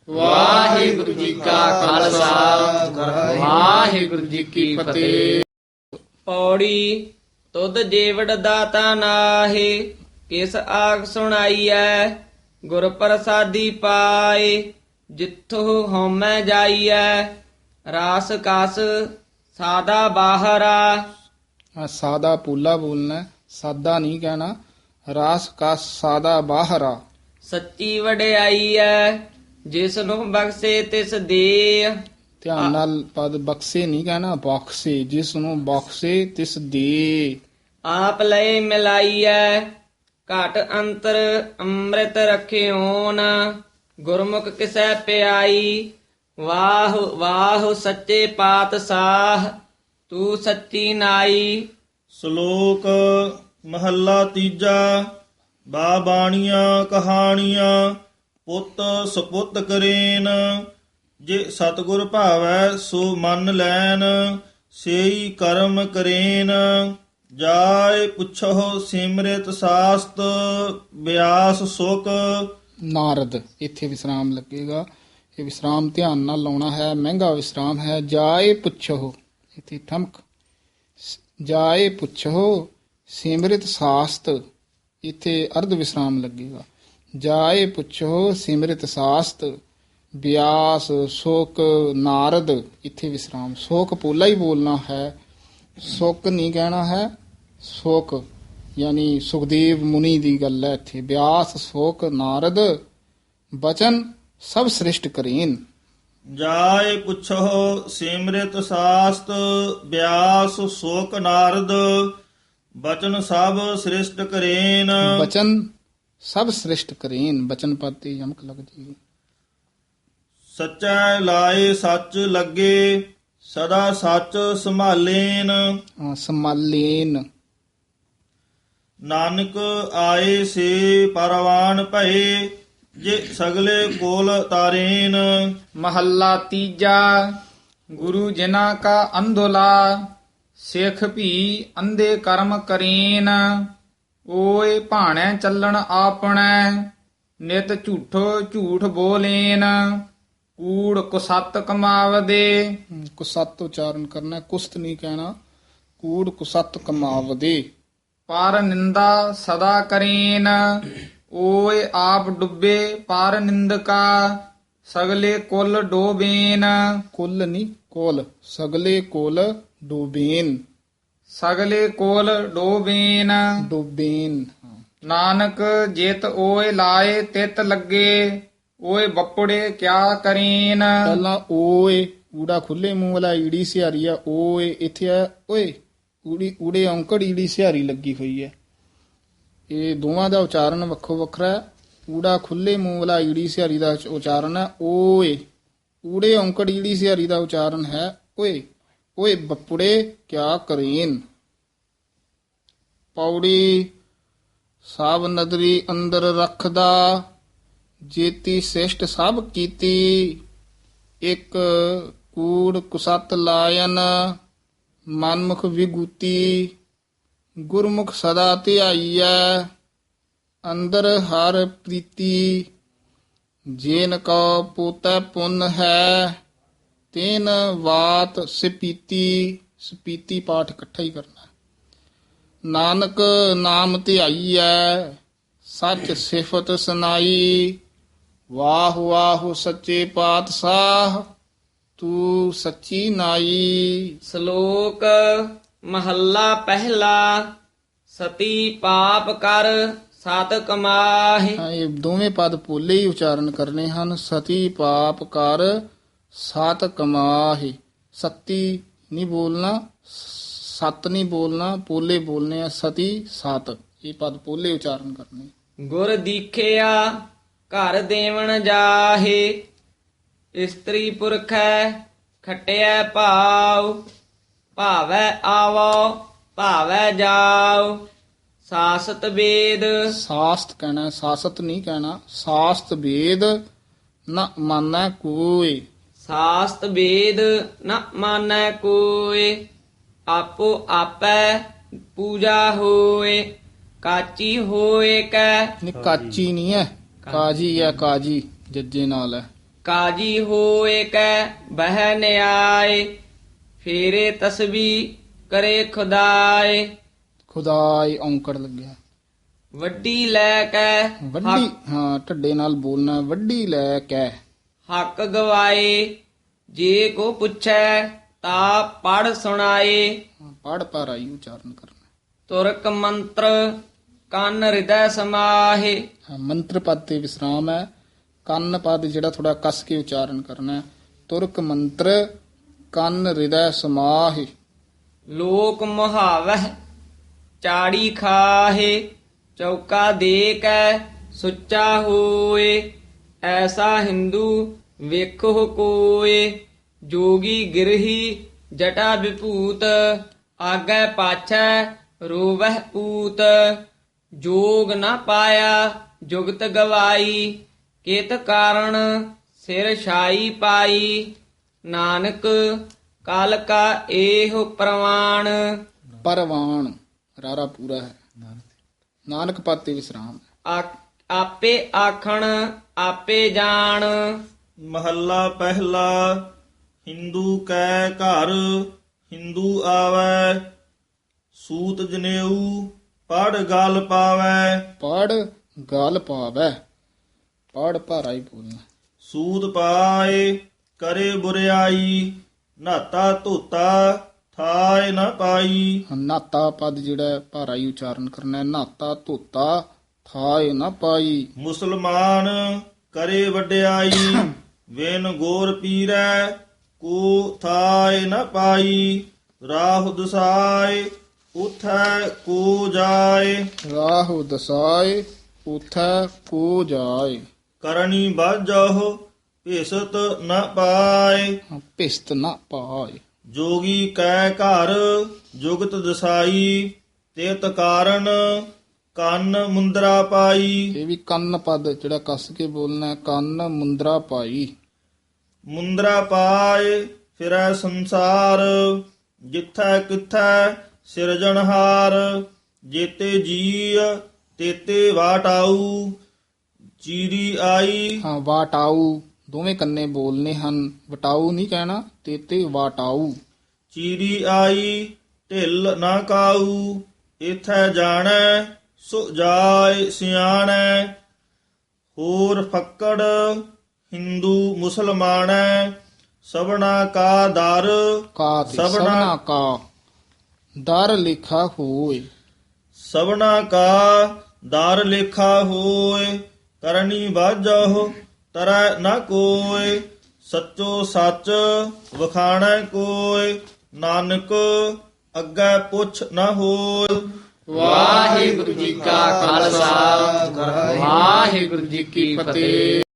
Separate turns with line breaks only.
ਵਾਹਿਗੁਰੂ ਜੀ ਕਾ ਖਾਲਸਾ ਵਾਹਿਗੁਰੂ ਜੀ ਕੀ ਫਤਿਹ।
ਪੌੜੀ ਤੁਧ ਜੀਵੜ ਦਾਤਾ ਨਾਹੀ, ਕਿਸ ਆਖ ਸੁਣਾਈਐ ਗੁਰ ਪ੍ਰਸਾਦੀ ਪਾਏ। ਜਿੱਥੋਂ ਹਉਮੈ ਜਾਈਐ ਰਾਸ ਕਸ ਸਾਦਾ ਬਾਹਰਾ।
ਸਾਦਾ ਪੂਲਾ ਬੋਲਣਾ ਹੈ, ਸਾਦਾ ਨਹੀਂ ਕਹਿਣਾ। ਰਾਸ ਕਾ ਸਾਦਾ ਬਾਹਰਾ।
ਸੱਚੀ ਵਡਿਆਈ ਐ ਜਿਸ ਨੂੰ ਬਖਸ਼ੇ ਤਿਸ ਦੇ।
ਧਿਆਨ ਨਾਲ ਪਦ ਬਖਸ਼ੇ ਨਹੀਂ ਕਹਿਣਾ, ਬਖਸ਼ੇ। ਜਿਸ ਨੂੰ ਬਖਸ਼ੇ ਤਿਸ ਦੇ।
ਆਪ ਲਏ ਮਿਲਾਈਐ ਘਟ ਅੰਤਰ ਅੰਮ੍ਰਿਤ ਰਖਿਓਨ। ਗੁਰਮੁਖ ਕਿਸੈ ਪਿਆਈ ਵਾਹ ਵਾਹ ਸੱਚੇ ਪਾਤਸ਼ਾਹ ਤੂੰ ਸੱਚੀ ਨਾਈ।
ਸ਼ਲੋਕ ਮਹੱਲਾ ਤੀਜਾ। ਬਾਣੀਆਂ ਕਹਾਣੀਆਂ ਪੁੱਤ ਸੁਪੁੱਤ ਕਰੇਨ। ਜੇ ਸਤਿਗੁਰ ਭਾਵੈ ਸੋ ਮੰਨ ਲੈਨ, ਸੇਈ ਕਰਮ ਕਰੇਨ। ਜਾਇ ਪੁੱਛੋ ਸਿਮਰਿਤ ਸਾਸਤ ਬਿਆਸ ਸੁਖ।
ਨਾਰਦ ਇੱਥੇ ਵਿਸਰਾਮ ਲੱਗੇਗਾ। ਇਹ ਵਿਸਰਾਮ ਧਿਆਨ ਨਾਲ ਲਾਉਣਾ ਹੈ, ਮਹਿੰਗਾ ਵਿਸਰਾਮ ਹੈ। ਜਾਏ ਪੁੱਛੋ, ਇੱਥੇ ਠਮਕ। ਜਾਏ ਪੁੱਛੋ ਸਿਮਰਿਤ ਸਾਸਤ, ਇੱਥੇ ਅਰਧ ਵਿਸਰਾਮ ਲੱਗੇਗਾ। ਜਾਏ ਪੁੱਛੋ ਸਿਮਰਿਤ ਸਾਸਤ ਬਿਆਸ ਸ਼ੋਕ ਨਾਰਦ, ਇੱਥੇ ਵਿਸਰਾਮ। ਸ਼ੋਕ ਪੋਲਾ ਹੀ ਬੋਲਣਾ ਹੈ, ਸੁੱਕ ਨਹੀਂ ਕਹਿਣਾ ਹੈ। ਸ਼ੋਕ ਯਾਨੀ ਸੁਖਦੇਵ ਮੁਨੀ ਦੀ ਗੱਲ ਹੈ ਇੱਥੇ। ਬਿਆਸ ਸ਼ੋਕ ਨਾਰਦ ਬਚਨ ਸਭ ਸ੍ਰਿਸ਼ਟ ਕਰੇਨ।
ਜਾਇ ਪੁੱਛੋ ਸਿਮਰਿਤ ਸਾਸਤ ਬਿਆਸ ਸੋਕ ਨਾਰਦ। ਬਚਨ ਸਭ ਸ੍ਰਿਸ਼ਟ ਕਰੇਨ।
ਬਚਨ ਸਭ ਸ੍ਰਿਸ਼ਟ ਕਰੇਨ, ਬਚਨ ਪਦ ਤੇ ਯਮਕ ਲੱਗ ਜੀ।
ਸੱਚੈ ਲਾਏ ਸੱਚ ਲੱਗੇ ਸਦਾ ਸੱਚ ਸੰਭਾਲੇਨ।
ਸਮਾਲੇਨ।
ਨਾਨਕ ਆਏ ਸੇ ਪਰਵਾਨ ਭਏ ਜੇ ਸਗਲੇ ਕੋਲ ਤਾਰੇਨ।
ਮਹੱਲਾ ਤੀਜਾ। ਗੁਰੂ ਜਿਨ੍ਹਾਂ ਕਾ ਅੰਧੋਲਾ ਸਿੱਖ ਭੀ ਅੰਧੇ ਕਰਮ ਕਰੇਨ। ਓਏ ਭਾਣੈ ਚੱਲਣ ਆਪਣੈ ਨਿਤ ਝੂਠੋ ਝੂਠ ਬੋਲੇਨ। ਕੂੜ ਕੁਸਤ ਕਮਾਵਦੇ।
ਕੁਸਤ ਉਚਾਰਨ ਕਰਨਾ, ਕੁਸਤ ਨਹੀਂ ਕਹਿਣਾ। ਕੂੜ ਕੁਸਤ ਕਮਾਵਦੇ।
ਪਰ ਨਿੰਦਾ ਸਦਾ ਕਰੇਨ। ਓਏ ਆਪ ਡੁੱਬੇ ਪਰ ਨਿੰਦਕਾ ਸਗਲੇ ਕੁਲ ਡੋਬੇਨ।
ਕੁੱਲ ਨਹੀਂ ਕੋਲ, ਸਗਲੇ ਕੋਲ ਡੋਬੇਨ।
ਸਗਲੇ ਕੋਲ ਡੋਬੇਨ।
ਡੋਬੇਨ।
ਨਾਨਕ ਜਿਤ ਓਏ ਲਾਏ ਤਿਤ ਲੱਗੇ। ਓਏ ਬੱਪੜੇ ਕਿਆ ਕਰੇਨ।
ਪਹਿਲਾਂ ਓਏ ਊੜਾ ਖੁੱਲੇ ਮੂੰਹ ਵਾਲਾ ਈੜੀ ਸਿਹਾਰੀ ਆ। ਓਏ ਇੱਥੇ ਆ ਓਏ ਊੜੀ ਊੜੇ ਔਂਕੜ ਈੜੀ ਸਿਹਾਰੀ ਲੱਗੀ ਹੋਈ ਹੈ। ਇਹ ਦੋਵਾਂ ਦਾ ਉਚਾਰਨ ਵੱਖੋ ਵੱਖਰਾ ਹੈ। ਊੜਾ ਖੁੱਲੇ ਮੂੰਹ ਵਾਲਾ ਈੜੀ ਸਿਹਾਰੀ ਦਾ ਉਚਾਰਨ ਹੈ ਓਏ। ਊੜੇ ਔਂਕੜ ਈੜੀ ਸਿਹਾਰੀ ਦਾ ਉਚਾਰਨ ਹੈ ਓਏ। ਓਏ ਬੱਪੜੇ ਕਿਆ ਕਰੇਨ। ਪੌੜੀ ਸਭ ਨਦਰੀ ਅੰਦਰ ਰੱਖਦਾ ਜੇਤੀ ਸਿਸ਼ਟ ਸਭ ਕੀਤੀ। ਇੱਕ ਕੂੜ ਕੁਸਤ ਲਾਇਨ ਮਨਮੁਖ ਵਿਗੂਤੀ। ਗੁਰਮੁਖ ਸਦਾ ਧਿਆਈਐ ਅੰਦਰ ਹਰ ਪ੍ਰੀਤੀ। ਜੇਨ ਕੋ ਪੋਤੈ ਪੁੰਨ ਹੈ ਤੈਨ ਵਾਤ ਸਪੀਤੀ। ਸਪੀਤੀ ਪਾਠ ਇਕੱਠਾ ਹੀ ਕਰਨਾ। ਨਾਨਕ ਨਾਮ ਧਿਆਈਐ ਸੱਚ ਸਿਫਤ ਸੁਨਾਈ। ਵਾਹ ਵਾਹ ਸੱਚੇ ਪਾਤਸ਼ਾਹ ਤੂੰ ਸੱਚੀ ਨਾਈ।
ਸ਼ਲੋਕ ਮਹੱਲਾ ਪਹਿਲਾ। ਸਤੀ ਪਾਪ ਕਰ ਸਤ ਕਮਾਹਿ।
ਇਹ ਦੋਵੇਂ ਪਦ ਪੋਲੇ ਹੀ ਉਚਾਰਨ ਕਰਨੇ ਹਨ। ਸਤੀ ਪਾਪ ਕਰ ਸਤ ਕਮਾਹਿ। ਸਤੀ ਨਹੀਂ ਬੋਲਣਾ, ਸਤ ਨਹੀਂ ਬੋਲਣਾ, ਪੋਲੇ ਬੋਲਨੇ ਆ। ਸਤੀ ਸਤ, ਇਹ ਪਦ ਪੋਲੇ ਉਚਾਰਨ ਕਰਨੇ।
ਗੁਰ ਦੀਖਿਆ ਘਰ ਦੇਵਣ ਜਾਹੇ। ਇਸਤਰੀ ਪੁਰਖੈ ਖਟਿਐ ਭਾਉ। ਭਾਵੈ ਆਵੋ ਭਾਵੈ ਜਾਉ। ਸਾਸਤ ਵੇਦ।
ਸਾਸਤ ਕਹਿਣਾ, ਸਾਸਤ ਨਹੀਂ ਕਹਿਣਾ। ਸਾਸਤ ਵੇਦ ਨ ਮਾਨੈ ਕੋਈ।
ਸਾਸਤ ਵੇਦ ਨ ਮਾਨੈ ਕੋਇ। ਆਪੋ ਆਪੈ ਪੂਜਾ ਹੋਏ। ਕਾਚੀ ਹੋਏ ਕੈ।
ਨਹੀਂ ਕਾਚੀ ਨਹੀਂ ਹੈ, ਕਾਜੀ ਹੈ। ਕਾਜੀ ਜੱਜੇ ਨਾਲ ਹੈ।
ਕਾਜੀ ਹੋਏ ਕੈ ਬਹਿ ਨਿਆਏ ਫੇਰੇ ਤਸਬੀ ਕਰੇ ਖੁਦਾਏ
ਖੁਦਾਈ ਔਂਕੜ ਲੱਗਿਆ।
ਵੱਡੀ ਲੈ ਕੈ
ਵੱਡੀ, ਹਾਂ ਢੱਡੇ ਨਾਲ ਬੋਲਣਾ, ਵੱਡੀ ਲੈ ਕੇ।
ਹੱਕ ਗਵਾਏ ਜੇ ਕੋ ਪੁੱਛੈ ਤਾ ਪੜ ਸੁਣਾਏ
ਪੜ ਪਾਰਾਈ ਉਚਾਰਨ ਕਰਨਾ।
ਤੁਰਕ ਮੰਤਰ ਕੰਨ ਹਿਰਦੈ ਸਮਾਹੇ
ਹਾਂ, ਮੰਤਰ ਪਦ ਤੇ ਵਿਸਰਾਮ ਹੈ। ਕੰਨ ਪਦ ਜਿਹੜਾ ਥੋੜਾ ਕੱਸ ਕੇ ਉਚਾਰਨ ਕਰਨਾ ਹੈ। ਤੁਰਕ ਮੰਤਰ ਕੰਨ ਹਿਰਦੈ ਸਮਾਹਿ।
ਲੋਕ ਮੁਹਾਵਹਿ ਚਾੜੀ ਖਾਹੇ ਚੌਕਾ ਦੇ ਕੈ ਸੁੱਚਾ ਹੋਏ ਐਸਾ ਹਿੰਦੂ ਵੇਖੋ ਕੋਏ ਜੋਗੀ ਗਿਰਹੀ ਜਟਾ ਵਿਭੂਤ ਆਗੈ ਪਾਛੈ ਰੋਵਹਿ ਊਤ ਜੋਗ ਨਾ ਪਾਇਆ ਜੁਗਤ ਗਵਾਈ ਕਿਤ ਕਾਰਣ ਸਿਰ ਛਾਈ ਪਾਈ ਨਾਨਕ ਕਲ ਕਾ ਇਹੋ ਪ੍ਰਵਾਣ
ਪਰਵਾਨ ਰਾਰਾ ਪੂਰਾ ਹੈ। ਨਾਨਕ ਪਦ ਤੇ ਵਿਸਰਾਮ ਹੈ।
ਆਪੇ ਆਖਣ ਆਪੇ ਜਾਣ
ਮਹੱਲਾ ਪਹਿਲਾ। ਹਿੰਦੂ ਕੈ ਘਰ ਹਿੰਦੂ ਆਵੈ ਸੂਤ ਜਨੇਊ ਪੜ ਗਲ ਪਾਵੈ
ਪੜ ਗਲ ਪਾਵੈ। ਪੜ ਭਾਰਾਈ ਬੋਲਣਾ।
ਸੂਤ ਪਾਏ ਕਰੇ ਬੁਰਿਆਈ ਨਾਤਾ ਧੋਤਾ ਥਾਇ ਨ ਪਾਈ।
ਨਾਤਾ ਪਦ ਜਿਹੜਾ ਹੈ, ਭਾਰਾਈ ਉਚਾਰਨ ਕਰਨਾ ਹੈ। ਨਾਤਾ ਧੋਤਾ ਥਾਇ ਨਾ ਪਾਈ।
ਮੁਸਲਮਾਨ ਕਰੇ ਵਡਿਆਈ ਵੇਨ ਗੋਰ ਪੀਰੈ ਕੋ ਥਾਇ ਨ ਪਾਈ। ਰਾਹੁ ਦਸਾਇ ਉਥੈ ਕੋ ਜਾਏ
ਰਾਹੁ ਦਸਾਏ ਉਥੈ ਕੋ ਜਾਏ।
ਕਰਨੀ ਬਾਝਹੁ ਭੇਸਤ ਨ ਪਾਏ।
ਭਿਸਤ ਨਾ ਪਾਏ।
ਜੋਗੀ ਕੈ ਘਰ ਜੁਗਤ ਦਸਾਈ ਤੇਤ ਕਾਰਨ ਕੰਨ ਮੁੰਦਰਾ ਪਾਈ।
ਇਹ ਵੀ ਕੰਨ ਪਦ ਜਿਹੜਾ ਕੱਸ ਕੇ ਬੋਲਣਾ ਹੈ। ਕੰਨ ਮੁੰਦਰਾ ਪਾਈ।
ਮੁੰਦਰਾ ਪਾਏ ਫਿਰੈ ਸੰਸਾਰ ਜਿੱਥੈ ਕਿਥੈ ਸਿਰਜਣਹਾਰ। ਜੇਤੇ ਜੀ ਤੇਤੇ ਵਾਟਾਊ ਚੀਰੀ ਆਈ।
ਹਾਂ ਵਾਟਾਊ ਦੋਵੇਂ ਕੰਨੇ ਬੋਲਨੇ ਹਨ। ਵਟਾਊ ਨਹੀਂ ਕਹਿਣਾ। ਤੇਤੇ ਵਾਟਾਊ।
ਚੀਰੀ ਆਈ ਢਿੱਲ ਨਾ ਕਾਊ ਇਥੈ ਜਾਣੈ ਸੋ ਜਾਏ ਸਿਆਣੈ। ਹੋਰ ਫੱਕੜ ਹਿੰਦੂ ਮੁਸਲਮਾਨੈ ਸਭਨਾ ਕਾ ਦਰ
ਕਾ ਤੇ ਸਭਨਾ ਕਾ ਦਰ ਲਿਖਾ ਹੋਏ।
ਸਭਨਾ ਕਾ ਦਰ ਲੇਖਾ ਹੋਏ ਕਰਨੀ ਬਾਝਹੁ ਤਰੈ ਨ ਕੋਇ। ਸੱਚੋ ਸੱਚ ਵਖਾਣੈ ਕੋਇ ਨਾਨਕ ਅੱਗੇ ਪੁੱਛ ਨ ਹੋਇ।
ਵਾਹਿਗੁਰੂ ਜੀ ਕਾ ਖਾਲਸਾ ਵਾਹਿਗੁਰੂ ਜੀ ਕੀ ਫਤਿਹ।